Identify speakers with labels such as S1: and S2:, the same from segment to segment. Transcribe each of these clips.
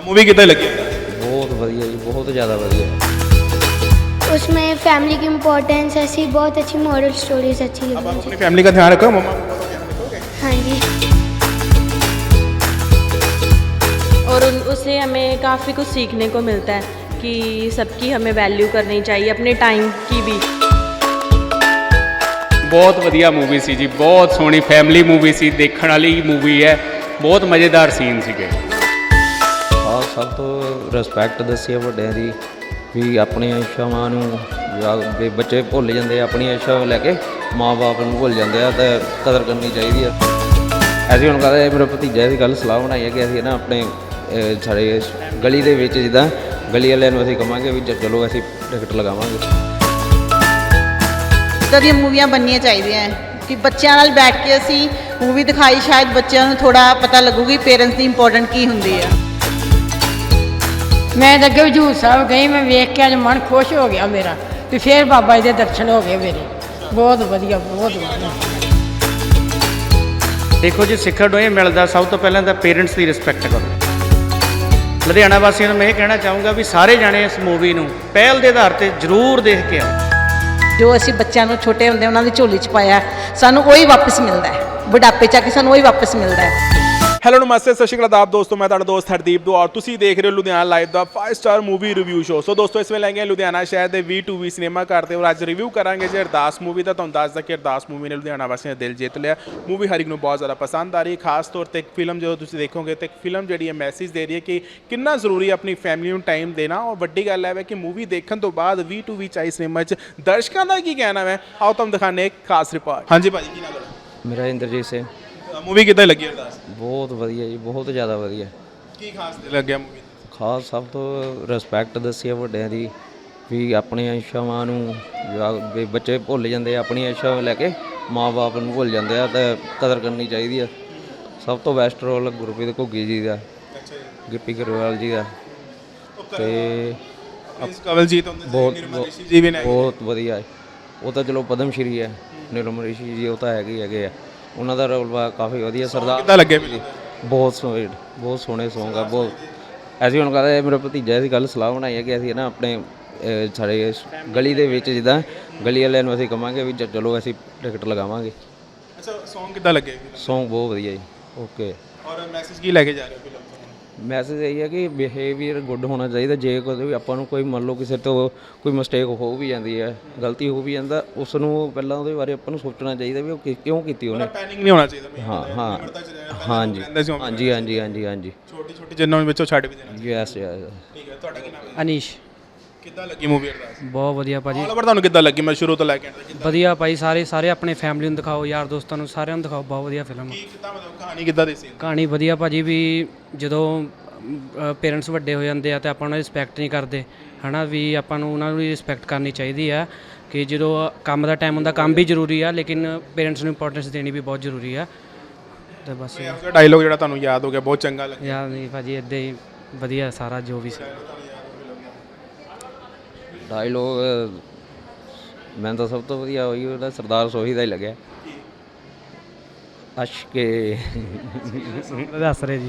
S1: Movie कितना लगी?
S2: बहुत बढ़िया जी, बहुत ज़्यादा बढ़िया।
S3: उसमें फैमिली की इम्पोर्टेंस ऐसी बहुत अच्छी मॉरल स्टोरीज अच्छी
S1: अब आप
S3: लगी
S1: अपनी फैमिली का ध्यान रखो, मम्मा पापा का ध्यान रखोगे?
S3: हाँ जी।
S4: और उससे हमें काफ़ी कुछ सीखने को मिलता है कि सबकी हमें वैल्यू करनी चाहिए, अपने टाइम की भी।
S5: बहुत वधिया मूवी सी जी, बहुत सोहनी फैमिली मूवी सी, देखने वाली मूवी है, बहुत मज़ेदार सीन सीगे।
S2: सब तो रिस्पैक्ट दसी ਵੱਡਿਆਂ ਦੀ ਵੀ ਆਪਣੀਆਂ ਇੱਛਾਵਾਂ ਨੂੰ ਵੀ ਬੱਚੇ ਭੁੱਲ ਜਾਂਦੇ ਆ, ਆਪਣੀਆਂ ਇੱਛਾ ਲੈ ਕੇ ਮਾਂ-ਬਾਪ ਨੂੰ ਭੁੱਲ ਜਾਂਦੇ ਆ, ਤੇ ਕਦਰ ਕਰਨੀ ਚਾਹੀਦੀ ਆ। ਅਸੀਂ ਹੁਣ ਕਹਿੰਦੇ ਮੇਰੇ ਭਤੀਜੇ ਦੀ ਗੱਲ ਸਲਾਹ ਬਣਾਈ ਹੈ ਕਿ ਅਸੀਂ ਨਾ ਆਪਣੇ ਸਾਡੇ ਗਲੀ ਦੇ ਵਿੱਚ ਜਿੱਦਾਂ ਗਲੀ ਵਾਲਿਆਂ ਨੂੰ ਅਸੀਂ ਕਹਾਂਗੇ ਵੀ ਚਲੋ ਅਸੀਂ ਟਿਕਟ ਲਗਾਵਾਂਗੇ।
S6: ਇੱਦਾਂ ਦੀਆਂ ਮੂਵੀਆਂ ਬਣਨੀਆਂ ਚਾਹੀਦੀਆਂ ਕਿ ਬੱਚਿਆਂ ਨਾਲ ਬੈਠ ਕੇ ਅਸੀਂ ਮੂਵੀ ਦਿਖਾਈ, ਸ਼ਾਇਦ ਬੱਚਿਆਂ ਨੂੰ ਥੋੜਾ ਪਤਾ ਲੱਗੂਗੀ ਪੇਰੈਂਟਸ ਦੀ ਇੰਪੋਰਟੈਂਟ ਕੀ ਹੁੰਦੀ ਆ।
S7: मैं तो अगे हजूर साहब गई, मैं वेख के अज मन खुश हो गया मेरा भी फिर बाबा जी के दर्शन हो गए मेरे। बहुत वधिया, बहुत वधिया।
S5: देखो जी, सिक्खण ਨੂੰ ਇਹ ਮਿਲਦਾ ਸਭ ਤੋਂ ਪਹਿਲਾਂ ਤਾਂ ਪੇਰੈਂਟਸ ਦੀ ਰਿਸਪੈਕਟ ਕਰੋ। ਲੁਧਿਆਣਾ ਵਾਸੀਆਂ ਨੂੰ ਮੈਂ ਇਹ ਕਹਿਣਾ ਚਾਹੂੰਗਾ ਵੀ ਸਾਰੇ ਜਾਣੇ ਇਸ ਮੂਵੀ ਨੂੰ ਪਹਿਲ ਦੇ ਆਧਾਰ ਤੇ ਜ਼ਰੂਰ ਦੇਖ ਕੇ ਆਓ।
S6: ਜੋ ਅਸੀਂ ਬੱਚਿਆਂ ਨੂੰ ਛੋਟੇ ਹੁੰਦੇ ਉਹਨਾਂ ਦੀ ਝੋਲੀ 'ਚ ਪਾਇਆ, ਸਾਨੂੰ ਉਹੀ ਵਾਪਸ ਮਿਲਦਾ ਹੈ, ਬੁਢਾਪੇ 'ਚ ਆ ਕੇ ਸਾਨੂੰ ਉਹੀ ਵਾਪਸ ਮਿਲਦਾ ਹੈ।
S1: ਹੈਲੋ ਨਮਸਤੇ, ਸਤਿ ਸ਼੍ਰੀ ਅਕਾਲ ਆਦਾਬ ਦੋਸਤੋ, ਮੈਂ ਤੁਹਾਡਾ ਦੋਸਤ ਹਰਦੀਪ ਦੋ ਔਰ ਤੁਸੀਂ ਦੇਖ ਰਹੇ ਹੋ ਲੁਧਿਆਣਾ ਲਾਈਵ ਦਾ 5 star movie review show. So ਦੋਸਤੋ, ਇਸ ਵੇਲੇ ਆਏ ਹਾਂ ਲੁਧਿਆਣਾ ਸ਼ਹਿਰ ਦੇ V2V ਸਿਨੇਮਾ ਘਰ ਤੇ ਔਰ ਅੱਜ ਰਿਵਿਊ ਕਰਾਂਗੇ ਜੀ ਅਰਦਾਸ ਮੂਵੀ ਦਾ। ਤੁਹਾਨੂੰ ਦੱਸਦਾ ਕਿ ਅਰਦਾਸ ਮੂਵੀ ਨੇ ਲੁਧਿਆਣਾ ਵਾਸੀਆਂ ਦਾ ਦਿਲ ਜਿੱਤ ਲਿਆ। ਮੂਵੀ ਹਰ ਇੱਕ ਨੂੰ ਬਹੁਤ ਜ਼ਿਆਦਾ ਪਸੰਦ ਆ ਰਹੀ ਹੈ, ਖਾਸ ਤੌਰ ਤੇ ਇੱਕ ਫਿਲਮ ਜਦੋਂ ਤੁਸੀਂ ਦੇਖੋਗੇ ਤੇ ਇੱਕ ਫਿਲਮ ਜਿਹੜੀ ਹੈ ਮੈਸੇਜ ਦੇ ਰਹੀ ਹੈ ਕਿ ਕਿੰਨਾ ਜ਼ਰੂਰੀ ਹੈ ਆਪਣੀ ਫੈਮਿਲੀ ਨੂੰ ਟਾਈਮ ਦੇਣਾ। ਔਰ ਵੱਡੀ ਗੱਲ ਹੈ ਕਿ ਮੂਵੀ ਦੇਖਣ ਤੋਂ ਬਾਅਦ V2V ਚਾਈ ਸਿਨੇਮਾ 'ਚ ਦਰਸ਼ਕਾਂ ਦਾ ਕੀ ਕਹਿਣਾ ਹੈ, ਆਓ ਤੁਹਾਨੂੰ ਦਿਖਾਉਂਦੇ ਇੱਕ ਖਾਸ ਰਿਪੋਰਟ। ਹਾਂਜੀ ਭਾਜੀ, ਕੀ ਨਾਮ ਹੈ?
S2: ਮੇਰਾ ਇੰਦਰਜੀਤ ਸਿੰਘ।
S1: ਮੂਵੀ ਕਿੱਦਾਂ ਲੱਗੀ ਅਰਦਾਸ?
S2: ਬਹੁਤ ਵਧੀਆ ਜੀ, ਬਹੁਤ ਜ਼ਿਆਦਾ ਵਧੀਆ।
S1: ਕੀ ਖਾਸ ਲੱਗਿਆ ਮੂਵੀ?
S2: ਖਾਸ ਸਭ ਤੋਂ ਰਿਸਪੈਕਟ ਦਸੀ ਵੱਡਿਆਂ ਦੀ ਵੀ ਆਪਣੀਆਂ ਇੱਛਾਵਾਂ ਨੂੰ ਵੀ ਬੱਚੇ ਭੁੱਲ ਜਾਂਦੇ ਆ, ਆਪਣੀਆਂ ਇੱਛਾ ਲੈ ਕੇ ਮਾਂ-ਬਾਪ ਨੂੰ ਭੁੱਲ ਜਾਂਦੇ ਆ, ਤੇ ਕਦਰ ਕਰਨੀ ਚਾਹੀਦੀ ਆ। ਸਭ ਤੋਂ ਬੈਸਟ ਰੋਲ ਗੁਰਪ੍ਰੀਤ ਘੁੱਗੀ ਜੀ ਦਾ, ਗਿੱਪੀ ਗਰੇਵਾਲ ਜੀ ਦਾ, ਤੇ
S1: ਕਵਲਜੀਤ
S2: ਬਹੁਤ ਵਧੀਆ ਹੈ। ਉਹ ਤਾਂ ਚਲੋ ਪਦਮ ਸ਼੍ਰੀ ਹੈ, ਨਿਰਮਲ ਰਿਸ਼ੀ ਜੀ ਉਹ ਤਾਂ ਹੈਗੇ ਆ। ਉਹਨਾਂ ਦਾ ਰੋਲ ਕਾਫੀ ਵਧੀਆ। ਸਰਦਾਰ
S1: ਕਿੱਦਾਂ ਲੱਗਿਆ?
S2: ਬਹੁਤ ਸੋਹਣੇ ਸੌਂਗ ਆ ਬਹੁਤ। ਅਸੀਂ ਹੁਣ ਕਹਿੰਦੇ ਮੇਰੇ ਭਤੀਜੇ ਦੀ ਗੱਲ ਸਲਾਹ ਬਣਾਈ ਹੈ ਕਿ ਅਸੀਂ ਨਾ ਆਪਣੇ ਸਾਡੇ ਗਲੀ ਦੇ ਵਿੱਚ ਜਿੱਦਾਂ ਗਲੀ ਵਾਲਿਆਂ ਨੂੰ ਅਸੀਂ ਕਹਾਂਗੇ ਵੀ ਚਲੋ ਅਸੀਂ ਟਿਕਟ ਲਗਾਵਾਂਗੇ।
S1: ਅੱਛਾ, ਸੌਂਗ ਕਿੱਦਾਂ ਲੱਗੇ?
S2: ਸੌਂਗ ਬਹੁਤ ਵਧੀਆ ਜੀ। ਓਕੇ।
S1: ਔਰ ਮੈਸੇਜ ਕੀ ਲੈ ਕੇ ਜਾ ਰਹੇ ਹੋ ਫਿਲਮ ਤੋਂ?
S2: ਮੈਸੇਜ ਇਹ ਹੈ ਕਿ ਬਿਹੇਵੀਅਰ ਗੁੱਡ ਹੋਣਾ ਚਾਹੀਦਾ। ਜੇ ਕੋਈ ਆਪਾਂ ਨੂੰ ਕੋਈ ਮੰਨ ਲਓ ਕਿਸੇ ਤੋਂ ਕੋਈ ਮਿਸਟੇਕ ਹੋ ਵੀ ਜਾਂਦੀ ਹੈ, ਗਲਤੀ ਹੋ ਵੀ ਜਾਂਦਾ, ਉਸ ਨੂੰ ਪਹਿਲਾਂ ਉਹਦੇ ਬਾਰੇ ਆਪਾਂ ਨੂੰ ਸੋਚਣਾ ਚਾਹੀਦਾ ਵੀ ਉਹ ਕਿਉਂ ਕੀਤੀ ਉਹਨੇ।
S1: ਪੈਨਿਕ ਨਹੀਂ ਹੋਣਾ ਚਾਹੀਦਾ।
S2: ਹਾਂਜੀ
S1: ਛੋਟੀ ਜਿੰਨਾਂ ਵਿੱਚੋਂ ਛੱਡ ਵੀ ਦੇਣਾ।
S2: ਯੈਸ।
S1: ਠੀਕ ਹੈ, ਤੁਹਾਡਾ ਕੀ ਨਾਮ ਹੈ?
S8: ਅਨੀਸ਼।
S1: ਕਿੱਦਾਂ ਲੱਗੀ ਮੂਵੀ ਅਰਦਾਸ?
S8: ਬਹੁਤ ਵਧੀਆ ਭਾਜੀ।
S1: ਆਲ ਓਵਰ ਤੁਹਾਨੂੰ ਕਿੱਦਾਂ ਲੱਗੀ? ਮੈਂ ਸ਼ੁਰੂ ਤੋਂ ਲੈ ਕੇ
S8: ਵਧੀਆ ਭਾਈ, ਸਾਰੇ ਆਪਣੇ ਫੈਮਿਲੀ ਨੂੰ ਦਿਖਾਓ, ਯਾਰ ਦੋਸਤਾਂ ਨੂੰ, ਸਾਰਿਆਂ ਨੂੰ ਦਿਖਾਓ। ਬਹੁਤ ਵਧੀਆ ਫਿਲਮ।
S1: ਕਿੱਦਾਂ ਮਤਲਬ ਕਹਾਣੀ ਕਿੱਦਾਂ ਦੀ ਸੀ?
S8: ਕਹਾਣੀ ਵਧੀਆ ਭਾਜੀ, ਵੀ ਜਦੋਂ ਪੇਰੈਂਟਸ ਵੱਡੇ ਹੋ ਜਾਂਦੇ ਆ ਤੇ ਆਪਾਂ ਉਹਨਾਂ ਦੀ ਰਿਸਪੈਕਟ ਨਹੀਂ ਕਰਦੇ ਹੈ ਨਾ, ਵੀ ਆਪਾਂ ਨੂੰ ਉਹਨਾਂ ਦੀ ਰਿਸਪੈਕਟ ਕਰਨੀ ਚਾਹੀਦੀ ਆ। ਕਿ ਜਦੋਂ ਕੰਮ ਦਾ ਟਾਈਮ ਹੁੰਦਾ, ਕੰਮ ਵੀ ਜ਼ਰੂਰੀ ਆ, ਲੇਕਿਨ ਪੇਰੈਂਟਸ ਨੂੰ ਇੰਪੋਰਟੈਂਸ ਦੇਣੀ ਵੀ ਬਹੁਤ ਜ਼ਰੂਰੀ ਆ। ਤੇ ਬਸ
S1: ਡਾਇਲੋਗ ਜਿਹੜਾ ਤੁਹਾਨੂੰ ਯਾਦ ਹੋ ਗਿਆ, ਬਹੁਤ ਚੰਗਾ ਲੱਗਿਆ?
S8: ਯਾਦ ਨਹੀਂ ਭਾਜੀ, ਇੱਦਾਂ ਹੀ ਵਧੀਆ ਸਾਰਾ ਜੋ ਵੀ ਸੀ।
S2: ਡਾਇਲੋਗ ਮੈਨੂੰ ਤਾਂ ਸਭ ਤੋਂ ਵਧੀਆ ਉਹੀ ਉਹਦਾ ਸਰਦਾਰ ਸੋਹੀ ਦਾ ਹੀ ਲੱਗਿਆ। ਅਸ਼ਕੇ
S8: ਦੱਸ ਰਹੇ ਜੀ।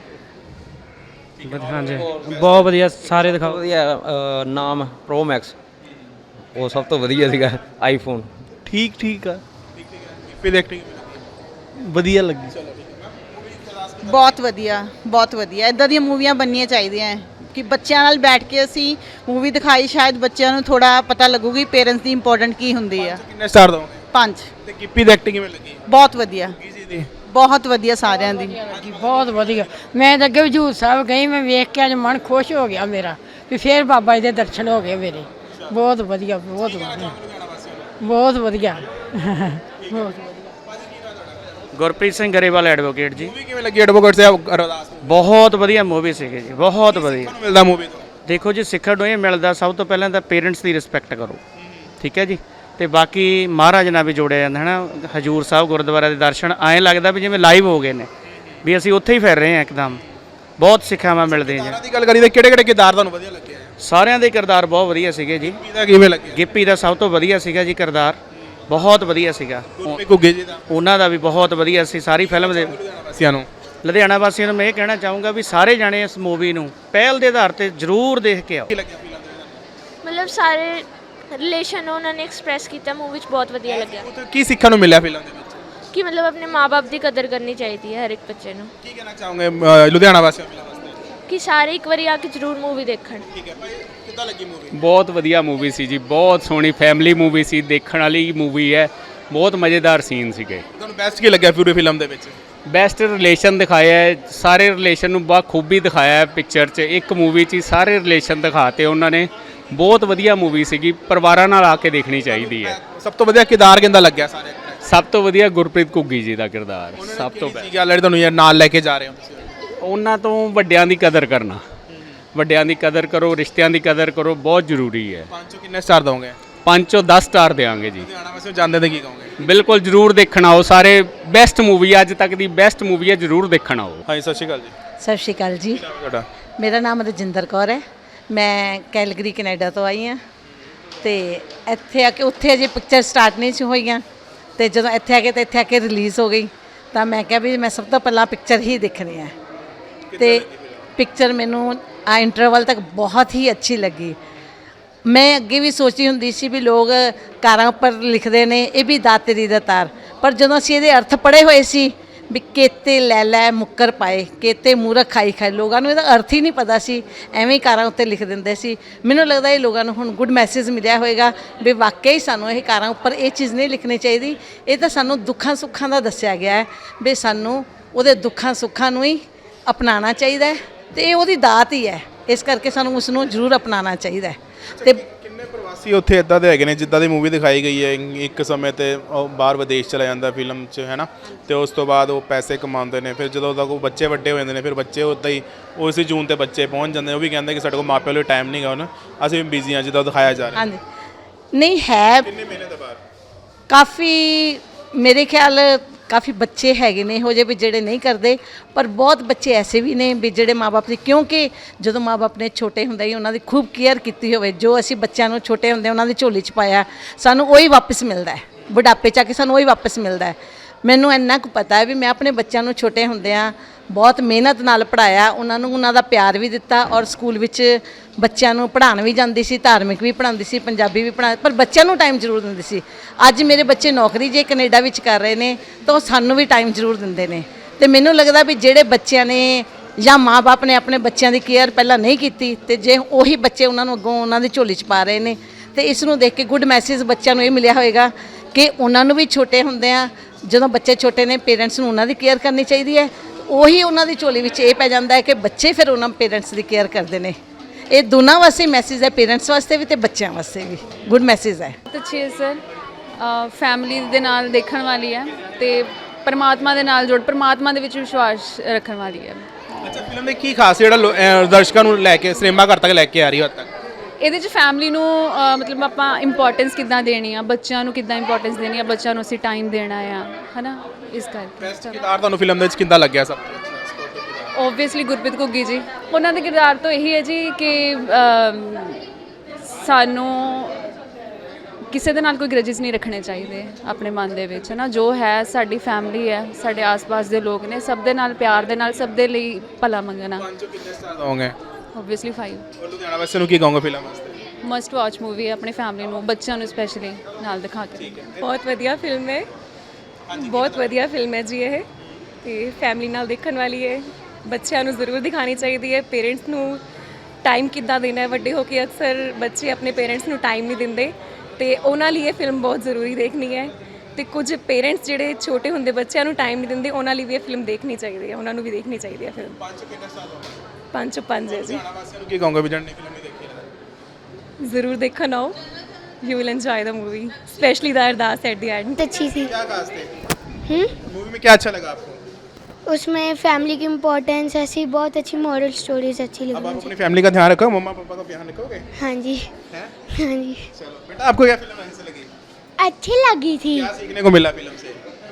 S8: ਹਾਂਜੀ, ਬਹੁਤ ਵਧੀਆ, ਸਾਰੇ ਦਿਖਾਓ।
S2: ਵਧੀਆ। ਨਾਮ ਪ੍ਰੋ ਮੈਕਸ, ਉਹ ਸਭ ਤੋਂ ਵਧੀਆ ਸੀਗਾ। ਆਈਫੋਨ
S1: ਠੀਕ ਆ। ਐਕਟਿੰਗ ਵਧੀਆ ਲੱਗੀ।
S6: ਬਹੁਤ ਵਧੀਆ, ਬਹੁਤ ਵਧੀਆ। ਇੱਦਾਂ ਦੀਆਂ ਮੂਵੀਆਂ ਬਣਨੀਆਂ ਚਾਹੀਦੀਆਂ ਕਿ ਬੱਚਿਆਂ ਨਾਲ ਬੈਠ ਕੇ ਅਸੀਂ ਮੂਵੀ ਦਿਖਾਈ, ਸ਼ਾਇਦ ਬੱਚਿਆਂ ਨੂੰ ਥੋੜਾ ਪਤਾ ਲੱਗੂਗੀ ਪੇਰੈਂਟਸ ਦੀ ਇੰਪੋਰਟੈਂਟ ਕੀ ਹੁੰਦੀ ਆ।
S1: ਕਿੰਨੇ ਸਟਾਰ ਦੋਗੇ?
S6: 5।
S1: ਤੇ ਗਿੱਪੀ ਦੀ ਐਕਟਿੰਗ ਕਿਵੇਂ ਲੱਗੀ?
S6: ਬਹੁਤ ਵਧੀਆ, ਬਹੁਤ ਵਧੀਆ ਸਾਰਿਆਂ ਦੀ।
S7: बहुत वधिया। मैं तो अगे हजूर साहब गई, मैं वेख के अज मन खुश हो गया मेरा भी फिर बाबा जी के दर्शन हो गए मेरे। बहुत वधिया, बहुत वधिया, बहुत वधिया।
S5: ਗੁਰਪ੍ਰੀਤ ਸਿੰਘ ਗਰੇਵਾਲ ਐਡਵੋਕੇਟ ਜੀ।
S1: ਮੂਵੀ ਕਿਵੇਂ ਲੱਗੀ ਐਡਵੋਕੇਟ ਸਾਹਿਬ ਅਰਦਾਸ?
S5: ਬਹੁਤ ਵਧੀਆ ਮੂਵੀ ਸੀਗੀ ਜੀ, ਬਹੁਤ ਵਧੀਆ।
S1: ਮਿਲਦਾ ਮੂਵੀ ਤੋਂ?
S5: ਦੇਖੋ ਜੀ, ਸਿੱਖਣ ਨੂੰ ਇਹ ਮਿਲਦਾ ਸਭ ਤੋਂ ਪਹਿਲਾਂ ਤਾਂ ਪੇਰੈਂਟਸ ਦੀ ਰਿਸਪੈਕਟ ਕਰੋ। ਠੀਕ ਹੈ ਜੀ। ਤੇ ਬਾਕੀ ਮਹਾਰਾਜ ਨਾਲ ਵੀ ਜੋੜਿਆ ਜਾਂਦਾ ਹੈ ਨਾ। ਹਜੂਰ ਸਾਹਿਬ ਗੁਰਦੁਆਰਾ ਦੇ ਦਰਸ਼ਨ ਐਂ ਲੱਗਦਾ ਵੀ ਜਿਵੇਂ ਲਾਈਵ ਹੋ ਗਏ ਨੇ, ਵੀ ਅਸੀਂ ਉੱਥੇ ਹੀ ਫਿਰ ਰਹੇ ਹਾਂ ਇੱਕਦਮ। ਬਹੁਤ ਸਿੱਖਿਆਵਾਂ ਮਿਲਦੀਆਂ ਜੀ।
S1: ਦੀ ਗੱਲ ਕਰੀ ਤਾਂ ਕਿਹੜੇ ਕਿਰਦਾਰ ਤੁਹਾਨੂੰ ਵਧੀਆ ਲੱਗੇ?
S5: ਸਾਰਿਆਂ ਦੇ ਕਿਰਦਾਰ ਬਹੁਤ ਵਧੀਆ ਸੀਗੇ ਜੀ।
S1: ਗਿੱਪੀ ਦਾ ਕਿਵੇਂ ਲੱਗਿਆ?
S5: ਗਿੱਪੀ ਦਾ ਸਭ ਤੋਂ ਵਧੀਆ ਸੀਗਾ ਜੀ ਕਿਰਦਾਰ, ਬਹੁਤ ਵਧੀਆ ਸੀਗਾ।
S1: ਗੁਰਪ੍ਰੀਤ ਘੁੱਗੀ ਜੀ ਦਾ?
S5: ਉਹਨਾਂ ਦਾ ਵੀ ਬਹੁਤ ਵਧੀਆ ਸੀ ਸਾਰੀ ਫਿਲਮ ਦੇ।
S1: ਵਾਸੀਆਂ ਨੂੰ
S5: ਲੁਧਿਆਣਾ ਵਾਸੀਆਂ ਨੂੰ ਮੈਂ ਇਹ ਕਹਿਣਾ ਚਾਹੂੰਗਾ ਵੀ ਸਾਰੇ ਜਾਣੇ ਇਸ ਮੂਵੀ ਨੂੰ ਪਹਿਲ ਦੇ ਆਧਾਰ ਤੇ ਜ਼ਰੂਰ ਦੇਖ ਕੇ ਆਓ।
S9: ਮਤਲਬ ਸਾਰੇ ਰਿਲੇਸ਼ਨ ਉਹਨਾਂ ਨੇ ਐਕਸਪ੍ਰੈਸ ਕੀਤਾ ਮੂਵੀ 'ਚ, ਬਹੁਤ ਵਧੀਆ ਲੱਗਿਆ
S1: ਕੀ ਸਿੱਖਣ ਨੂੰ ਮਿਲਿਆ ਫਿਲਮ ਦੇ ਵਿੱਚ?
S9: ਕਿ ਮਤਲਬ ਆਪਣੇ ਮਾਪੇ ਦੀ ਕਦਰ ਕਰਨੀ ਚਾਹੀਦੀ ਹੈ ਹਰ ਇੱਕ ਬੱਚੇ ਨੂੰ।
S1: ਕੀ ਕਹਿਣਾ ਚਾਹੋਗੇ ਲੁਧਿਆਣਾ ਵਾਸੀਆਂ ਫਿਲਮ ਵਾਸਤੇ?
S9: ਕਿ ਸਾਰੇ ਇੱਕ ਵਾਰੀ ਆ ਕੇ ਜ਼ਰੂਰ ਮੂਵੀ ਦੇਖਣ।
S1: ਠੀਕ ਹੈ ਭਾਈ, ਕਿੱਦਾਂ ਲੱਗੀ ਮੂਵੀ?
S10: ਬਹੁਤ ਵਧੀਆ ਮੂਵੀ ਸੀ ਜੀ, ਬਹੁਤ ਸੋਹਣੀ ਫੈਮਿਲੀ ਮੂਵੀ ਸੀ, ਦੇਖਣ ਵਾਲੀ ਮੂਵੀ ਹੈ, ਬਹੁਤ ਮਜ਼ੇਦਾਰ ਸੀਨ ਸੀਗੇ।
S1: ਤੁਹਾਨੂੰ ਬੈਸਟ ਕੀ ਲੱਗਿਆ ਪੂਰੀ ਫਿਲਮ ਦੇ ਵਿੱਚ?
S10: ਬੈਸਟ ਰਿਲੇਸ਼ਨ ਦਿਖਾਇਆ ਹੈ, ਸਾਰੇ ਰਿਲੇਸ਼ਨ ਨੂੰ ਬਾਖੂਬੀ ਦਿਖਾਇਆ ਹੈ ਪਿਕਚਰ 'ਚ। ਇੱਕ ਮੂਵੀ 'ਚ ਹੀ ਸਾਰੇ ਰਿਲੇਸ਼ਨ ਦਿਖਾਤੇ ਉਹਨਾਂ ਨੇ, ਬਹੁਤ ਵਧੀਆ ਮੂਵੀ ਸੀਗੀ, ਪਰਿਵਾਰਾਂ ਨਾਲ ਆ ਕੇ ਦੇਖਣੀ ਚਾਹੀਦੀ ਹੈ।
S1: ਸਭ ਤੋਂ ਵਧੀਆ ਕਿਰਦਾਰ ਕਿੰਦਾ ਲੱਗਿਆ ਸਾਰੇ?
S10: ਸਭ ਤੋਂ ਵਧੀਆ ਗੁਰਪ੍ਰੀਤ ਘੁੱਗੀ ਜੀ ਦਾ ਕਿਰਦਾਰ ਸਭ ਤੋਂ
S1: ਕੀ ਗੱਲ ਹੈ ਤੁਹਾਨੂੰ ਯਾਰ ਨਾਲ ਲੈ ਕੇ ਜਾ ਰਹੇ ਹੋ ਤੁਸੀਂ?
S10: ਉਹਨਾਂ ਤੋਂ ਵੱਡਿਆਂ ਦੀ ਕਦਰ ਕਰਨਾ, ਵੱਡਿਆਂ ਦੀ ਕਦਰ ਕਰੋ, ਰਿਸ਼ਤਿਆਂ ਦੀ ਕਦਰ ਕਰੋ, ਬਹੁਤ ਜ਼ਰੂਰੀ ਹੈ।
S1: 5 ਚੋਂ ਕਿੰਨੇ ਸਟਾਰ ਦੋਗੇ?
S10: 5 ਚੋਂ 10 ਸਟਾਰ ਦੇਵਾਂਗੇ ਜੀ।
S1: ਲੁਧਿਆਣਾ ਵਾਸੀਆਂ ਜਾਂਦੇ ਤੇ ਕੀ ਕਹੋਗੇ?
S10: ਬਿਲਕੁਲ ਜ਼ਰੂਰ ਦੇਖਣ ਆਓ ਸਾਰੇ, ਬੈਸਟ ਮੂਵੀ ਅੱਜ ਤੱਕ ਦੀ ਬੈਸਟ ਮੂਵੀ ਹੈ, ਜ਼ਰੂਰ ਦੇਖਣ ਆਓ।
S1: ਹਾਂਜੀ ਸਤਿ ਸ਼੍ਰੀ ਅਕਾਲ ਜੀ।
S6: ਸਤਿ ਸ਼੍ਰੀ ਅਕਾਲ ਜੀ।
S1: ਤੁਹਾਡਾ?
S6: ਮੇਰਾ ਨਾਮ ਰਜਿੰਦਰ ਕੌਰ ਹੈ, ਮੈਂ ਕੈਲਗਰੀ ਕੈਨੇਡਾ ਤੋਂ ਆਈ ਹਾਂ। ਤੇ ਇੱਥੇ ਆ ਕੇ ਉੱਥੇ ਅਜੇ ਪਿਕਚਰ ਸਟਾਰਟ ਨਹੀਂ ਸੀ ਹੋਈਆਂ, ਤੇ ਜਦੋਂ ਇੱਥੇ ਆ ਕੇ ਰਿਲੀਜ਼ ਹੋ ਗਈ ਤਾਂ ਮੈਂ ਕਿਹਾ ਵੀ ਮੈਂ ਸਭ ਤੋਂ ਪਹਿਲਾਂ ਪਿਕਚਰ ਹੀ ਦੇਖਣੀ ਹੈ। ਤੇ ਪਿਕਚਰ ਮੈਨੂੰ ਆ ਇੰਟਰਵਲ ਤੱਕ ਬਹੁਤ ਹੀ ਅੱਛੀ ਲੱਗੀ। ਮੈਂ ਅੱਗੇ ਵੀ ਸੋਚੀ ਹੁੰਦੀ ਸੀ ਵੀ ਲੋਕ ਕਾਰਾਂ ਉੱਪਰ ਲਿਖਦੇ ਨੇ ਇਹ ਵੀ ਦਾਤਰੀ ਦਾ ਤਾਰ, ਪਰ ਜਦੋਂ ਅਸੀਂ ਇਹਦੇ ਅਰਥ ਪੜ੍ਹੇ ਹੋਏ ਸੀ ਵੀ ਕੇਤੇ ਲੈ ਲੈ ਮੁੱਕਰ ਪਾਏ, ਕੇਤੇ ਮੂਰਖ ਖਾਈ ਖਾਈ, ਲੋਕਾਂ ਨੂੰ ਇਹਦਾ ਅਰਥ ਹੀ ਨਹੀਂ ਪਤਾ ਸੀ, ਐਵੇਂ ਹੀ ਕਾਰਾਂ ਉੱਤੇ ਲਿਖ ਦਿੰਦੇ ਸੀ। ਮੈਨੂੰ ਲੱਗਦਾ ਇਹ ਲੋਕਾਂ ਨੂੰ ਹੁਣ ਗੁੱਡ ਮੈਸੇਜ ਮਿਲਿਆ ਹੋਵੇਗਾ ਵੀ ਵਾਕਈ ਸਾਨੂੰ ਇਹ ਕਾਰਾਂ ਉੱਪਰ ਇਹ ਚੀਜ਼ ਨਹੀਂ ਲਿਖਣੀ ਚਾਹੀਦੀ। ਇਹ ਤਾਂ ਸਾਨੂੰ ਦੁੱਖਾਂ ਸੁੱਖਾਂ ਦਾ ਦੱਸਿਆ ਗਿਆ ਹੈ ਵੀ ਸਾਨੂੰ ਉਹਦੇ ਦੁੱਖਾਂ ਸੁੱਖਾਂ ਨੂੰ ਹੀ ਅਪਣਾਉਣਾ ਚਾਹੀਦਾ ਹੈ, ਤੇ ਇਹ ਉਹਦੀ ਦਾਤ ਹੀ ਹੈ, ਇਸ ਕਰਕੇ ਸਾਨੂੰ ਉਸ ਨੂੰ ਜ਼ਰੂਰ ਅਪਣਾਉਣਾ ਚਾਹੀਦਾ ਹੈ। ਤੇ
S1: ਕਿੰਨੇ ਪ੍ਰਵਾਸੀ ਉੱਥੇ ਇਦਾਂ ਦੇ ਹੈਗੇ ਨੇ ਜਿੱਦਾਂ ਦੀ ਮੂਵੀ ਦਿਖਾਈ ਗਈ ਹੈ, ਇੱਕ ਸਮੇਂ ਤੇ ਉਹ ਬਾਹਰ ਵਿਦੇਸ਼ ਚਲਾ ਜਾਂਦਾ ਫਿਲਮ 'ਚ ਹੈ ਨਾ, ਤੇ ਉਸ ਤੋਂ ਬਾਅਦ ਉਹ ਪੈਸੇ ਕਮਾਉਂਦੇ ਨੇ, ਫਿਰ ਜਦੋਂ ਤੱਕ ਉਹ ਬੱਚੇ ਵੱਡੇ ਹੋ ਜਾਂਦੇ ਨੇ ਫਿਰ ਬੱਚੇ ਉੱਦਾਂ ਹੀ ਉਸੇ ਜੂਨ ਤੇ ਬੱਚੇ ਪਹੁੰਚ ਜਾਂਦੇ ਨੇ। ਉਹ ਵੀ ਕਹਿੰਦੇ ਕਿ ਸਾਡੇ ਕੋਲ ਮਾਪਿਆਂ ਲਈ ਟਾਈਮ ਨਹੀਂ ਗਾ ਹੁਣ, ਅਸੀਂ ਵੀ ਬਿਜ਼ੀ ਹਾਂ ਜਿੱਦਾਂ ਦਿਖਾਇਆ ਜਾ ਰਿਹਾ।
S6: ਹਾਂਜੀ ਨਹੀਂ ਹੈ,
S1: ਕਿੰਨੇ ਮਹੀਨੇ ਦੇ ਬਾਅਦ
S6: ਕਾਫੀ ਮੇਰੇ ਖਿਆਲ ਕਾਫੀ ਬੱਚੇ ਹੈਗੇ ਨੇ ਇਹੋ ਜਿਹੇ ਵੀ ਜਿਹੜੇ ਨਹੀਂ ਕਰਦੇ, ਪਰ ਬਹੁਤ ਬੱਚੇ ਐਸੇ ਵੀ ਨੇ ਵੀ ਜਿਹੜੇ ਮਾਪੇ ਦੀ, ਕਿਉਂਕਿ ਜਦੋਂ ਮਾਪੇ ਨੇ ਛੋਟੇ ਹੁੰਦੇ ਹੀ ਉਹਨਾਂ ਦੀ ਖੂਬ ਕੇਅਰ ਕੀਤੀ ਹੋਵੇ, ਜੋ ਅਸੀਂ ਬੱਚਿਆਂ ਨੂੰ ਛੋਟੇ ਹੁੰਦੇ ਉਹਨਾਂ ਦੀ ਝੋਲੀ 'ਚ ਪਾਇਆ ਸਾਨੂੰ ਉਹੀ ਵਾਪਸ ਮਿਲਦਾ ਹੈ, ਬੁਢਾਪੇ 'ਚ ਆ ਕੇ ਸਾਨੂੰ ਉਹੀ ਵਾਪਸ ਮਿਲਦਾ ਹੈ। ਮੈਨੂੰ ਇੰਨਾ ਕੁ ਪਤਾ ਹੈ ਵੀ ਮੈਂ ਆਪਣੇ ਬੱਚਿਆਂ ਨੂੰ ਛੋਟੇ ਹੁੰਦਿਆਂ ਬਹੁਤ ਮਿਹਨਤ ਨਾਲ ਪੜ੍ਹਾਇਆ, ਉਹਨਾਂ ਨੂੰ ਉਹਨਾਂ ਦਾ ਪਿਆਰ ਵੀ ਦਿੱਤਾ, ਔਰ ਸਕੂਲ ਵਿੱਚ ਬੱਚਿਆਂ ਨੂੰ ਪੜ੍ਹਾਉਣ ਵੀ ਜਾਂਦੀ ਸੀ, ਧਾਰਮਿਕ ਵੀ ਪੜ੍ਹਾਉਂਦੀ ਸੀ, ਪੰਜਾਬੀ ਵੀ ਪੜ੍ਹਾ, ਪਰ ਬੱਚਿਆਂ ਨੂੰ ਟਾਈਮ ਜ਼ਰੂਰ ਦਿੰਦੀ ਸੀ। ਅੱਜ ਮੇਰੇ ਬੱਚੇ ਨੌਕਰੀ ਜੇ ਕੈਨੇਡਾ ਵਿੱਚ ਕਰ ਰਹੇ ਨੇ ਤਾਂ ਉਹ ਸਾਨੂੰ ਵੀ ਟਾਈਮ ਜ਼ਰੂਰ ਦਿੰਦੇ ਨੇ। ਤੇ ਮੈਨੂੰ ਲੱਗਦਾ ਵੀ ਜਿਹੜੇ ਬੱਚਿਆਂ ਨੇ ਜਾਂ ਮਾਂ-ਬਾਪ ਨੇ ਆਪਣੇ ਬੱਚਿਆਂ ਦੀ ਕੇਅਰ ਪਹਿਲਾਂ ਨਹੀਂ ਕੀਤੀ, ਤੇ ਜੇ ਉਹੀ ਬੱਚੇ ਉਹਨਾਂ ਨੂੰ ਅੱਗੋਂ ਉਹਨਾਂ ਦੀ ਝੋਲੀ 'ਚ ਪਾ ਰਹੇ ਨੇ, ਤੇ ਇਸ ਨੂੰ ਦੇਖ ਕੇ ਗੁੱਡ ਮੈਸੇਜ ਬੱਚਿਆਂ ਨੂੰ ਇਹ ਮਿਲਿਆ ਹੋਵੇਗਾ ਕਿ ਉਹਨਾਂ ਨੂੰ ਵੀ ਛੋਟੇ ਹੁੰਦੇ ਆ, ਜਦੋਂ ਬੱਚੇ ਛੋਟੇ ਨੇ ਪੇਰੈਂਟਸ ਨੂੰ ਉਹਨਾਂ ਦੀ ਕੇਅਰ ਕਰਨੀ ਚਾਹੀਦੀ ਹੈ। ਉਹੀ ਉਹਨਾਂ ਦੀ ਝੋਲੀ ਵਿੱਚ ਇਹ ਪੈ ਜਾਂਦਾ ਹੈ ਕਿ ਬੱਚੇ ਫਿਰ ਉਹਨਾਂ ਪੇਰੈਂਟਸ ਦੀ ਕੇਅਰ ਕਰਦੇ ਨੇ। ਇਹ ਦੋਨਾਂ ਵਾਸਤੇ ਮੈਸੇਜ ਹੈ, ਪੇਰੈਂਟਸ ਵਾਸਤੇ ਵੀ ਤੇ ਬੱਚਿਆਂ ਵਾਸਤੇ ਵੀ ਗੁੱਡ ਮੈਸੇਜ ਹੈ।
S11: ਬਹੁਤ ਅੱਛੀ ਹੈ ਸਰ, ਫੈਮਿਲੀ ਦੇ ਨਾਲ ਦੇਖਣ ਵਾਲੀ ਹੈ ਤੇ ਪਰਮਾਤਮਾ ਦੇ ਨਾਲ ਪਰਮਾਤਮਾ ਦੇ ਵਿੱਚ ਵਿਸ਼ਵਾਸ ਰੱਖਣ ਵਾਲੀ ਹੈ।
S1: ਅੱਛਾ, ਫਿਲਮ ਦੇ ਕੀ ਖਾਸ ਜਿਹੜਾ ਦਰਸ਼ਕਾਂ ਨੂੰ ਲੈ ਕੇ ਸਿਨੇਮਾ ਘਰ ਤੱਕ ਲੈ ਕੇ ਆ ਰਹੀ ਹੈ ਹੱਦ ਤੱਕ?
S11: ਇਹਦੇ 'ਚ ਫੈਮਿਲੀ ਨੂੰ ਮਤਲਬ ਆਪਾਂ ਇੰਪੋਰਟੈਂਸ ਕਿੱਦਾਂ ਦੇਣੀ ਆ, ਬੱਚਿਆਂ ਨੂੰ ਕਿੱਦਾਂ ਇੰਪੋਰਟੈਂਸ ਦੇਣੀ ਆ, ਬੱਚਿਆਂ ਨੂੰ ਅਸੀਂ ਟਾਈਮ ਦੇਣਾ ਆ, ਹੈ ਨਾ, ਇਸ ਕਰਕੇ।
S1: ਬੈਸਟ ਕਿਰਦਾਰ ਤੁਹਾਨੂੰ ਫਿਲਮ ਦੇ ਵਿੱਚ ਕਿੱਦਾਂ ਲੱਗਿਆ ਸਭ ਤੋਂ?
S11: ਓਬਵੀਅਸਲੀ ਗੁਰਪ੍ਰੀਤ ਘੁੱਗੀ ਜੀ, ਉਹਨਾਂ ਦੇ ਕਿਰਦਾਰ ਤੋਂ ਇਹੀ ਹੈ ਜੀ ਕਿ ਸਾਨੂੰ ਕਿਸੇ ਦੇ ਨਾਲ ਕੋਈ ਗ੍ਰਜਿਸ ਨਹੀਂ ਰੱਖਣੇ ਚਾਹੀਦੇ ਆਪਣੇ ਮਨ ਦੇ ਵਿੱਚ, ਹੈ ਨਾ। ਜੋ ਹੈ ਸਾਡੀ ਫੈਮਿਲੀ ਹੈ, ਸਾਡੇ ਆਸ-ਪਾਸ ਦੇ ਲੋਕ ਨੇ, ਸਭ ਦੇ ਨਾਲ ਪਿਆਰ ਦੇ ਨਾਲ, ਸਭ ਦੇ ਲਈ ਭਲਾ ਮੰਗਣਾ।
S1: ਕਿੰਨੇ ਸਟਾਰ ਦੋਗੇ?
S11: ਓਬਵੀਅਸਲੀ 5।
S1: ਔਰ ਲੁਧਿਆਣਾ ਵਾਸੀਆਂ ਨੂੰ ਕੀ ਕਹੋਗੇ ਫਿਲਮ ਵਾਸਤੇ?
S11: ਮਸਟ ਵਾਚ ਮੂਵੀ ਹੈ, ਆਪਣੀ ਫੈਮਿਲੀ ਨੂੰ, ਬੱਚਿਆਂ ਨੂੰ ਸਪੈਸ਼ਲੀ ਨਾਲ ਦਿਖਾ ਕੇ।
S12: ਬਹੁਤ ਵਧੀਆ ਫਿਲਮ ਹੈ, ਬਹੁਤ ਵਧੀਆ ਫਿਲਮ ਹੈ ਜੀ ਇਹ, ਤੇ ਫੈਮਿਲੀ ਨਾਲ ਦੇਖਣ ਵਾਲੀ ਹੈ, ਬੱਚਿਆਂ ਨੂੰ ਜ਼ਰੂਰ ਦਿਖਾਣੀ ਚਾਹੀਦੀ ਹੈ। ਪੇਰੈਂਟਸ ਨੂੰ ਟਾਈਮ ਕਿੱਦਾਂ ਦੇਣਾ ਹੈ, ਵੱਡੇ ਹੋ ਕੇ ਅਕਸਰ ਬੱਚੇ ਆਪਣੇ ਪੇਰੈਂਟਸ ਨੂੰ ਟਾਈਮ ਨਹੀਂ ਦਿੰਦੇ, ਤੇ ਉਹਨਾਂ ਲਈ ਇਹ ਫਿਲਮ ਬਹੁਤ ਜ਼ਰੂਰੀ ਦੇਖਣੀ ਹੈ। ਤੇ ਕੁਝ ਪੇਰੈਂਟਸ ਜਿਹੜੇ ਛੋਟੇ ਹੁੰਦੇ ਬੱਚਿਆਂ ਨੂੰ ਟਾਈਮ ਨਹੀਂ ਦਿੰਦੇ, ਉਹਨਾਂ ਲਈ ਵੀ ਇਹ ਫਿਲਮ ਦੇਖਣੀ ਚਾਹੀਦੀ ਹੈ, ਉਹਨਾਂ ਨੂੰ ਵੀ ਦੇਖਣੀ ਚਾਹੀਦੀ ਹੈ ਫਿਲਮ। 5 ਚੋਂ 5 ਹੈ ਜੀ।
S1: ਵਾਸੀਆਂ ਕੀ ਕਹੋਗੇ ਵੀ ਜਣ ਫਿਲਮ ਨਹੀਂ ਦੇਖੀ ਹੈ?
S12: ਜ਼ਰੂਰ ਦੇਖਣ ਆਓ, you will enjoy the movie, specially the Ardaas at the end.
S3: अच्छी थी।
S1: क्या खास थे मूवी में? क्या अच्छा लगा आपको?
S3: उसमें फैमिली की इम्पोर्टेंस ऐसी बहुत अच्छी मॉरल स्टोरीज अच्छी
S1: अब
S3: लगी
S1: आप
S3: मुझे।
S1: अपनी फैमिली का ध्यान रखो, मम्मा पापा का ध्यान रखोगे?
S3: हाँ जी,
S1: हैं?
S3: हाँ जी।
S1: चलो बेटा, आपको क्या फिल्म ऐसी लगी?
S3: अच्छी लगी थी।
S1: क्या सीखने को मिला फिल्म से?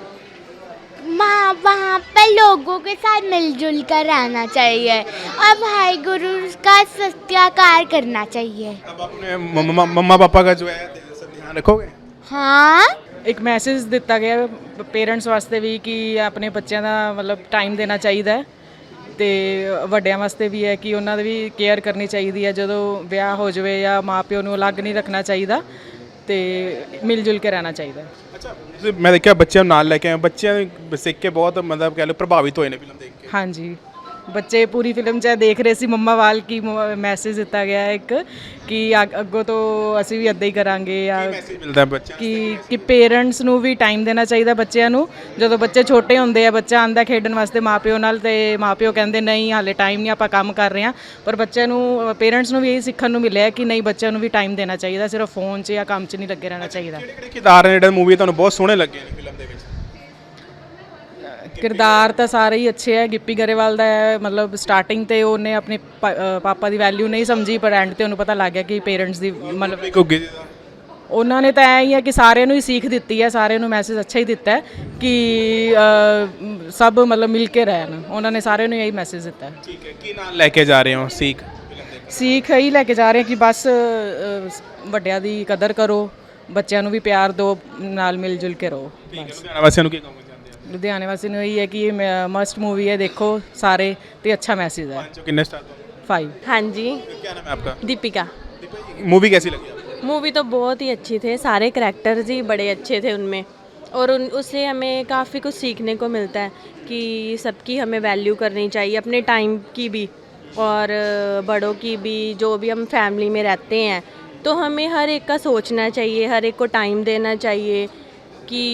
S3: वहाँ पर लोगों के साथ मिलजुल कर रहना चाहिए और भाई गुरु का सत्याचार करना चाहिए।
S1: अब अपने मम्मा पापा का जो है सब ध्यान रखोगे?
S3: हाँ।
S13: ਇੱਕ ਮੈਸੇਜ ਦਿੱਤਾ ਗਿਆ ਪੇਰੈਂਟਸ ਵਾਸਤੇ ਵੀ ਕਿ ਆਪਣੇ ਬੱਚਿਆਂ ਦਾ ਮਤਲਬ ਟਾਈਮ ਦੇਣਾ ਚਾਹੀਦਾ ਹੈ ਤੇ ਵੱਡਿਆਂ ਵਾਸਤੇ ਵੀ ਹੈ ਕਿ ਉਹਨਾਂ ਦੀ ਵੀ ਕੇਅਰ ਕਰਨੀ ਚਾਹੀਦੀ ਹੈ। ਜਦੋਂ ਵਿਆਹ ਹੋ ਜਾਵੇ ਜਾਂ ਮਾਪਿਓ ਨੂੰ ਅਲੱਗ ਨਹੀਂ ਰੱਖਣਾ ਚਾਹੀਦਾ ਤੇ ਮਿਲ ਜੁਲ ਕੇ ਰਹਿਣਾ ਚਾਹੀਦਾ।
S1: ਅੱਛਾ, ਮੈਂ ਦੇਖਿਆ ਬੱਚਿਆਂ ਨੂੰ ਨਾਲ ਲੈ ਕੇ ਆਏ, ਬੱਚਿਆਂ ਨੂੰ ਸਿੱਖ ਕੇ ਬਹੁਤ ਮਤਲਬ ਕਹਿ ਲਓ ਪ੍ਰਭਾਵਿਤ ਹੋਏ ਨੇ ਫਿਲਮ ਦੇਖ ਕੇ।
S13: ਹਾਂਜੀ, ਬੱਚੇ ਪੂਰੀ ਫਿਲਮ 'ਚ ਦੇਖ ਰਹੇ ਸੀ ਮੰਮਾ ਵਾਲ ਕੀ ਮੈਸੇਜ ਦਿੱਤਾ ਗਿਆ ਇੱਕ ਕਿ ਅੱਗੋਂ ਤੋਂ ਅਸੀਂ ਵੀ ਇੱਦਾਂ ਹੀ ਕਰਾਂਗੇ ਜਾਂ
S1: ਮਿਲਦਾ ਬੱਚਾ
S13: ਕਿ ਪੇਰੈਂਟਸ ਨੂੰ ਵੀ ਟਾਈਮ ਦੇਣਾ ਚਾਹੀਦਾ ਬੱਚਿਆਂ ਨੂੰ। ਜਦੋਂ ਬੱਚੇ ਛੋਟੇ ਹੁੰਦੇ ਆ, ਬੱਚਾ ਆਂਦਾ ਖੇਡਣ ਵਾਸਤੇ ਮਾਪਿਓ ਨਾਲ ਤੇ ਮਾਪਿਓ ਕਹਿੰਦੇ ਨਹੀਂ ਹਾਲੇ ਟਾਈਮ ਨਹੀਂ, ਆਪਾਂ ਕੰਮ ਕਰ ਰਹੇ ਹਾਂ, ਪਰ ਬੱਚਿਆਂ ਨੂੰ ਪੇਰੈਂਟਸ ਨੂੰ ਵੀ ਇਹ ਸਿੱਖਣ ਨੂੰ ਮਿਲਿਆ ਕਿ ਨਹੀਂ ਬੱਚਿਆਂ ਨੂੰ ਵੀ ਟਾਈਮ ਦੇਣਾ ਚਾਹੀਦਾ, ਸਿਰਫ ਫੋਨ 'ਚ ਜਾਂ ਕੰਮ 'ਚ ਨਹੀਂ ਲੱਗੇ ਰਹਿਣਾ ਚਾਹੀਦਾ।
S1: ਕਿਹੜੇ ਕਿਰਦਾਰ ਨੇ ਜਿਹੜੇ ਮੂਵੀ ਤੁਹਾਨੂੰ ਬਹੁਤ ਸੋਹਣੇ ਲੱਗੇ ਨੇ ਫਿਲਮ ਦੇ ਵਿੱਚ?
S13: ਕਿਰਦਾਰ ਤਾਂ ਸਾਰੇ ਹੀ ਅੱਛੇ ਹੈ। ਗਿੱਪੀ ਗਰੇਵਾਲ ਦਾ ਮਤਲਬ ਸਟਾਰਟਿੰਗ ਤੇ ਉਹਨੇ ਆਪਣੇ ਪਾਪਾ ਦੀ ਵੈਲਿਊ ਨਹੀਂ ਸਮਝੀ, ਪਰ ਐਂਡ ਤੇ ਉਹਨੂੰ ਪਤਾ ਲੱਗ ਗਿਆ ਕਿ ਪੇਰੈਂਟਸ ਦੀ ਮਤਲਬ ਉਹਨਾਂ ਨੇ ਤਾਂ ਐਂ ਹੀ ਹੈ ਕਿ ਸਾਰਿਆਂ ਨੂੰ ਹੀ ਸੀਖ ਦਿੱਤੀ ਹੈ, ਸਾਰਿਆਂ ਨੂੰ ਮੈਸੇਜ ਅੱਛਾ ਹੀ ਦਿੱਤਾ ਹੈ ਕਿ ਸਭ ਮਤਲਬ ਮਿਲ ਕੇ ਰਹਿਣ। ਉਹਨਾਂ ਨੇ ਸਾਰਿਆਂ ਨੂੰ ਇਹੀ ਮੈਸੇਜ ਦਿੱਤਾ ਹੈ।
S1: ਠੀਕ ਹੈ, ਕੀ ਨਾਲ ਲੈ ਕੇ ਜਾ ਰਹੇ ਹੋ ਸੀਖ?
S13: ਸੀਖ ਇਹੀ ਲੈ ਕੇ ਜਾ ਰਹੇ ਕਿ ਬਸ ਵੱਡਿਆਂ ਦੀ ਕਦਰ ਕਰੋ, ਬੱਚਿਆਂ ਨੂੰ ਵੀ ਪਿਆਰ ਦਿਓ, ਨਾਲ ਮਿਲ ਜੁਲ ਕੇ ਰਹੋ।
S1: ਲੁਧਿਆਣਾ ਵਾਸੀਆਂ ਨੂੰ ਕੀ ਕਹੋਗੇ?
S13: ਲੁਧਿਆਣੇ ਵਾਸੀ ਨੂੰ ਇਹੀ ਹੈ ਕਿ ਇਹ ਮਸਟ ਮੂਵੀ ਹੈ, ਦੇਖੋ ਸਾਰੇ ਤੇ अच्छा मैसेज है।
S1: कितने स्टार?
S11: 5। हाँ जी।
S1: क्या नाम है आपका?
S11: दीपिका।
S1: मूवी कैसी लगी आपको?
S11: मूवी तो बहुत ही अच्छी थे, सारे करैक्टर्स ही बड़े अच्छे थे उनमें, और उससे हमें काफ़ी कुछ सीखने को मिलता है कि सबकी हमें वैल्यू करनी चाहिए, अपने टाइम की भी और बड़ों की भी। जो भी हम फैमिली में रहते हैं तो हमें हर एक का सोचना चाहिए, हर एक को टाइम देना चाहिए कि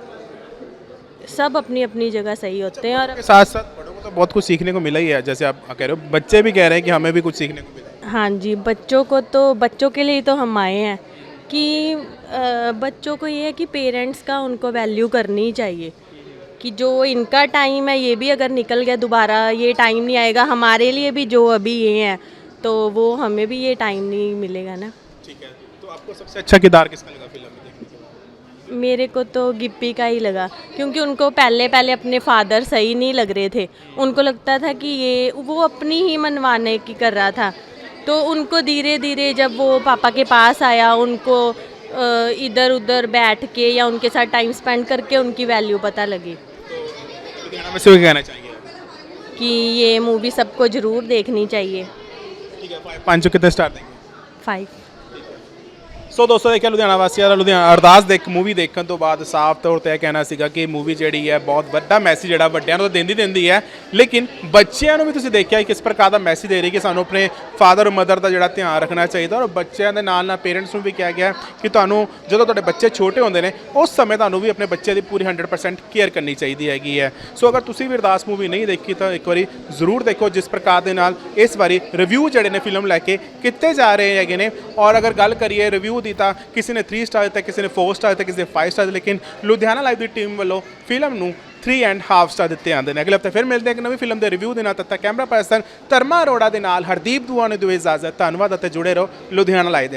S11: सब अपनी अपनी जगह सही होते हैं। और
S1: साथ साथ बड़ों को तो बहुत कुछ सीखने को मिला ही है, जैसे आप कह रहे हो, बच्चे भी कह रहे हैं कि हमें भी कुछ सीखने को मिला है।
S11: हाँ जी, बच्चों को तो बच्चों के लिए तो हम आए हैं कि बच्चों को ये है कि पेरेंट्स का उनको वैल्यू करनी चाहिए कि जो इनका टाइम है ये भी अगर निकल गया, दोबारा ये टाइम नहीं आएगा। हमारे लिए भी जो अभी ये हैं तो वो हमें भी ये टाइम नहीं मिलेगा ना।
S1: ठीक है, तो आपको सबसे अच्छा किरदार किसका लगा फिल्म में?
S11: मेरे को तो गिप्पी का ही लगा, क्योंकि उनको पहले अपने फादर सही नहीं लग रहे थे। उनको लगता था कि ये वो अपनी ही मनवाने की कर रहा था, तो उनको धीरे धीरे जब वो पापा के पास आया, उनको इधर उधर बैठ के या उनके साथ टाइम स्पेंड करके उनकी वैल्यू पता लगी।
S1: लुधियाना में से क्या कहना चाहिए
S11: कि ये मूवी सबको ज़रूर देखनी चाहिए।
S1: ठीक है, 5 को कितने स्टार देंगे?
S11: 5।
S1: ਸੋ ਦੋਸਤੋ ਦੇਖਿਆ ਲੁਧਿਆਣਾ ਵਾਸੀਆਂ ਦਾ ਲੁਧਿਆਣਾ ਅਰਦਾਸ ਦੇਖ ਮੂਵੀ ਦੇਖਣ ਤੋਂ ਬਾਅਦ ਸਾਫ਼ ਤੌਰ 'ਤੇ ਇਹ ਕਹਿਣਾ ਸੀਗਾ ਕਿ ਮੂਵੀ ਜਿਹੜੀ ਹੈ ਬਹੁਤ ਵੱਡਾ ਮੈਸੇਜ ਜਿਹੜਾ ਵੱਡਿਆਂ ਨੂੰ ਤਾਂ ਦਿੰਦੀ ਹੈ, ਲੇਕਿਨ ਬੱਚਿਆਂ ਨੂੰ ਵੀ ਤੁਸੀਂ ਦੇਖਿਆ ਕਿਸ ਪ੍ਰਕਾਰ ਦਾ ਮੈਸੇਜ ਦੇ ਰਹੀ ਕਿ ਸਾਨੂੰ ਆਪਣੇ ਫਾਦਰ ਮਦਰ ਦਾ ਜਿਹੜਾ ਧਿਆਨ ਰੱਖਣਾ ਚਾਹੀਦਾ। ਔਰ ਬੱਚਿਆਂ ਦੇ ਨਾਲ ਨਾਲ ਪੇਰੈਂਟਸ ਨੂੰ ਵੀ ਕਿਹਾ ਗਿਆ ਕਿ ਤੁਹਾਨੂੰ ਜਦੋਂ ਤੁਹਾਡੇ ਬੱਚੇ ਛੋਟੇ ਹੁੰਦੇ ਨੇ ਉਸ ਸਮੇਂ ਤੁਹਾਨੂੰ ਵੀ ਆਪਣੇ ਬੱਚੇ ਦੀ ਪੂਰੀ 100% ਕੇਅਰ ਕਰਨੀ ਚਾਹੀਦੀ ਹੈਗੀ ਹੈ। ਸੋ ਅਗਰ ਤੁਸੀਂ ਵੀ ਅਰਦਾਸ ਮੂਵੀ ਨਹੀਂ ਦੇਖੀ ਤਾਂ ਇੱਕ ਵਾਰੀ ਜ਼ਰੂਰ ਦੇਖੋ, ਜਿਸ ਪ੍ਰਕਾਰ ਦੇ ਨਾਲ ਇਸ ਵਾਰੀ ਰਿਵਿਊ ਜਿਹੜੇ ਨੇ ਫਿਲਮ ਲੈ ਕੇ ਕੀਤੇ ਜਾ ਰਹੇ ਹੈਗੇ ਨੇ। ਔਰ ਅਗਰ ਗੱਲ ਕਰੀਏ ਰਿਵਿਊ ਦੀ ਤਾਂ ਕਿਸੇ ਨੇ 3 ਸਟਾਰ ਦਿੱਤਾ, ਕਿਸੇ ਨੇ 4 ਸਟਾਰ ਦਿੱਤਾ, ਕਿਸੇ ਨੇ 5 ਸਟਾਰ, ਲੇਕਿਨ ਲੁਧਿਆਣਾ ਲਾਈਵ ਦੀ ਟੀਮ ਵੱਲੋਂ ਫਿਲਮ ਨੂੰ 3.5 ਸਟਾਰ ਦਿੱਤੇ ਜਾਂਦੇ ਨੇ। ਅਗਲੇ ਹਫ਼ਤੇ ਫਿਰ ਮਿਲਦੇ ਹਾਂ ਇੱਕ ਨਵੀਂ ਫਿਲਮ ਦੇ ਰਿਵਿਊ ਦੇ ਨਾਲ। ਤਦ ਤੱਕ ਕੈਮਰਾ ਪਰਸਨ ਧਰਮਾ ਅਰੋੜਾ ਦੇ ਨਾਲ ਹਰਦੀਪ ਦੁਆ ਨੇ ਦਿਓ ਇਜਾਜ਼ਤ। ਧੰਨਵਾਦ ਅਤੇ ਜੁੜੇ ਰਹੋ ਲੁਧਿਆਣਾ ਲਾਈਵ।